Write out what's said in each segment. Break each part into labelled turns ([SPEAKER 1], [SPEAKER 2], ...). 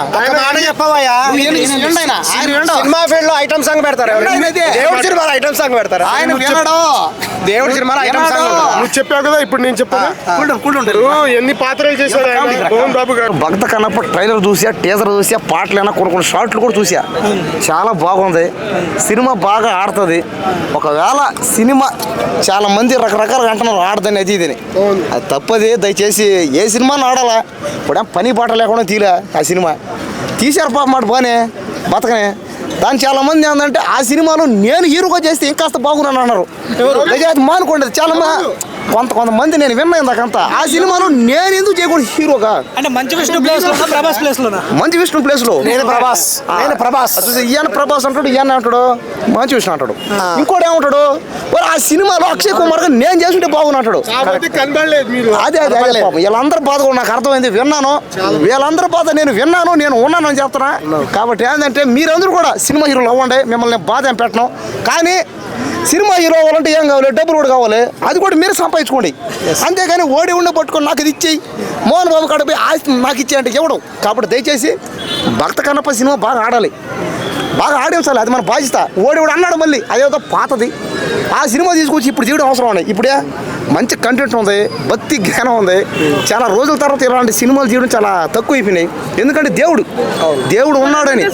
[SPEAKER 1] చెప్పవయ్యా cinema field లో item song పెడతారు. దేవుడి సినిమాలో ఐటమ్ సాంగ్ పెడతారు. ఆయన వినడు. దేవుడి సినిమాలో ఐటమ్ సాంగ్
[SPEAKER 2] నువ్వు చెప్పావు కదా, ఇప్పుడు నేను చెప్పాను. ఎన్ని పాత్రలు చేశారు మోహన్ బాబు గారు.
[SPEAKER 3] భక్త కన్నప్ప ట్రైలర్ చూసా, టీజర్ చూసా, పాటలైనా కొన్ని షార్ట్లు కూడా చూసా. చాలా బాగుంది. సినిమా బాగా ఆడుతుంది. ఒకవేళ సినిమా చాలా మంది రకరకాలుగా అంటున్నారు ఆడదని అది ఇదని, అది తప్పది. దయచేసి ఏ సినిమాని ఆడాలా. ఇప్పుడు పని పాట లేకుండా తీలే ఆ సినిమా తీశారు పాప మాట బానే బతకనే. దాని చాలా మంది ఏంటంటే ఆ సినిమాలో నేను హీరోగా చేస్తే ఇంకాస్త బాగున్నాను అన్నారు. మానుకోండి చాలా కొంతమంది నేను విన్నా ఇందాకంతా ఆ సినిమాలో నేను ఎందుకు చేయకూడదు హీరోగా.
[SPEAKER 4] అంటే మంచి విష్ణు ప్లేస్ లో ప్రభాస్ ప్లేస్ లో
[SPEAKER 3] మంచి విష్ణు ప్లేస్ లో నేను ప్రభాస్ ఈయన ప్రభాస్ అంటాడు, ఈయన అంటాడు మంచి విష్ణు అంటాడు. ఇంకోటి ఏమంటాడు, ఆ సినిమాలో అక్షయ్ కుమార్ గా నేను చేస్తుంటే బాగున్నాడు. అదే అదే అదే పాపం వీళ్ళందరూ బాధ కూడా నాకు అర్థమైంది. విన్నాను వీళ్ళందరూ బాధ నేను విన్నాను, నేను ఉన్నాను అని చెప్తున్నా. కాబట్టి ఏంటంటే మీరందరూ కూడా సినిమా హీరోలు అవ్వండి, మిమ్మల్ని బాధ ఏం పెట్టను. కానీ సినిమా హీరో అవ్వాలంటే ఏం కావాలి, డబ్బులు కూడా కావాలి. అది కూడా మీరు సంపాదించుకోండి. అంతేగాని ఓడి ఉండి పట్టుకొని నాకు ఇది ఇచ్చేయి, మోహన్ బాబు కాడపోయి ఆస్తి నాకు ఇచ్చే అంటే ఇవ్వడం. కాబట్టి దయచేసి భక్త కన్నప్ప సినిమా బాగా ఆడాలి, బాగా ఆడించాలి. అది మన బాధ్యత. ఓడి కూడా అన్నాడు మళ్ళీ అదేదో పాతది. ఆ సినిమా తీసుకొచ్చి ఇప్పుడు తీయడం అవసరం ఉన్నాయి. ఇప్పుడే మంచి కంటెంట్ ఉంది, భక్తి జ్ఞానం ఉంది. చాలా రోజుల తర్వాత ఇలాంటి సినిమాలు తీయడం చాలా తక్కువ అయిపోయినాయి. ఎందుకంటే దేవుడు ఉన్నాడని.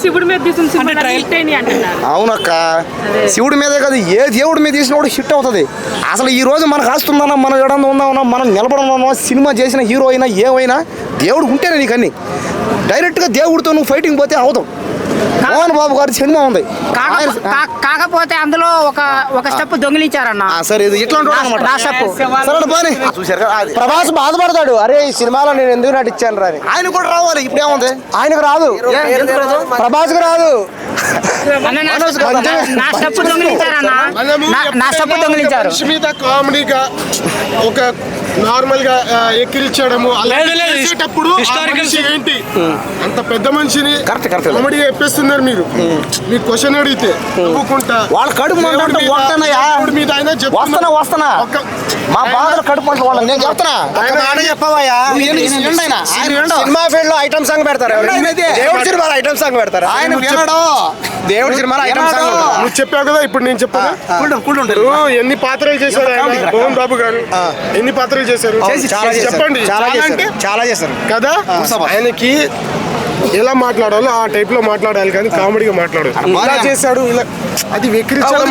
[SPEAKER 3] అవునక్క, శివుడి మీదే కాదు ఏ దేవుడి మీద తీసిన కూడా హిట్ అవుతుంది. అసలు ఈ రోజు మనకు ఆస్తుందన్నా, మనం ఎడంగా ఉందామన్నా, మనం నిలబడమన్నా, సినిమా చేసిన హీరో అయినా ఏమైనా దేవుడు ఉంటేనే నీకు అన్ని. డైరెక్ట్గా దేవుడితో నువ్వు ఫైటింగ్ పోతే అవుతావు. మోహన్ బాబు గారి సినిమా ఉంది,
[SPEAKER 5] కాకపోతే అందులో ఒక స్టెప్ దొంగిలించారన్న.
[SPEAKER 3] సరే ఇది ఇట్లా
[SPEAKER 1] ప్రభాస్ బాధపడతాడు, అరే ఈ సినిమాలో నేను ఎందుకు నటించాను రాని.
[SPEAKER 3] ఆయన కూడా రావాలి. ఇప్పుడు ఏముంది,
[SPEAKER 1] ఆయనకు రాదు, ప్రభాస్ కు రాదు.
[SPEAKER 5] నా స్టెప్ దొంగిలించారు.
[SPEAKER 2] మీద కామెడీగా ఒక నార్మల్ గా ఎక్కిరించడము చేసేటప్పుడు ఏంటి అంత పెద్ద మనిషిని కామెడీగా చెప్పేస్తున్నారు మీరు. మీకు క్వశ్చన్ అడిగితే
[SPEAKER 3] వాళ్ళ కడుపు వస్తున్నా మా బాధలు కడుపు మంట వాళ్ళని నేను చెప్తున్నా.
[SPEAKER 1] చెప్పవయ్యా సినిమా ఫీల్డ్ లో ఐటమ్ సాంగ్ పెడతారు. దేవుడి సినిమాలో ఐటమ్ సాంగ్ పెడతారు. ఆయన వినడు. దేవుడి సినిమాలో ఐటమ్ సాంగ్
[SPEAKER 2] నువ్వు చెప్పావు కదా, ఇప్పుడు నేను చెప్పాను. ఎన్ని పాత్రలు చేశారు మోహన్ బాబు గారు, ఎన్ని పాత్రలు చేశారు చెప్పండి.
[SPEAKER 1] చాలా చేశారు
[SPEAKER 2] కదా. ఆయనకి ఎలా మాట్లాడాలో ఆ టైప్ లో మాట్లాడాలి, కానీ కామెడీగా మాట్లాడు. ఇలా చేశాడు, ఇలా అది వెక్కిరించడం.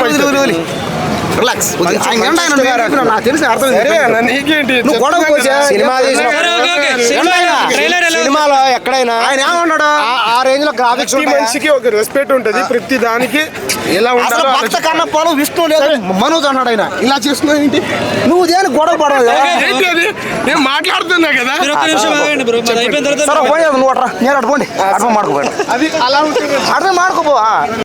[SPEAKER 1] సినిమాలో ఎక్కడైనా ఆయన ఏమన్నాడు, ఆ రేంజ్ లో గ్రాఫిక్స్
[SPEAKER 2] మనిషికి ఒక రెస్పెక్ట్ ఉంటది ప్రతి దానికి. ఎలా ఉండాలి.
[SPEAKER 3] భక్త కన్నప్పలో విష్ణు లేదు మనోజ్ అన్నాడు. ఆయన ఇలా చేస్తున్నావు ఏంటి, నువ్వు దేని గొడవ పడదు.
[SPEAKER 2] నేను మాట్లాడుతున్నా కదా,
[SPEAKER 3] నువ్వు అట్రా నేను అటు పోండి అర్థం మాడుకోపోయాడు.
[SPEAKER 2] అది అలా ఉంటుంది.
[SPEAKER 3] అర్థం మాడుకోపో.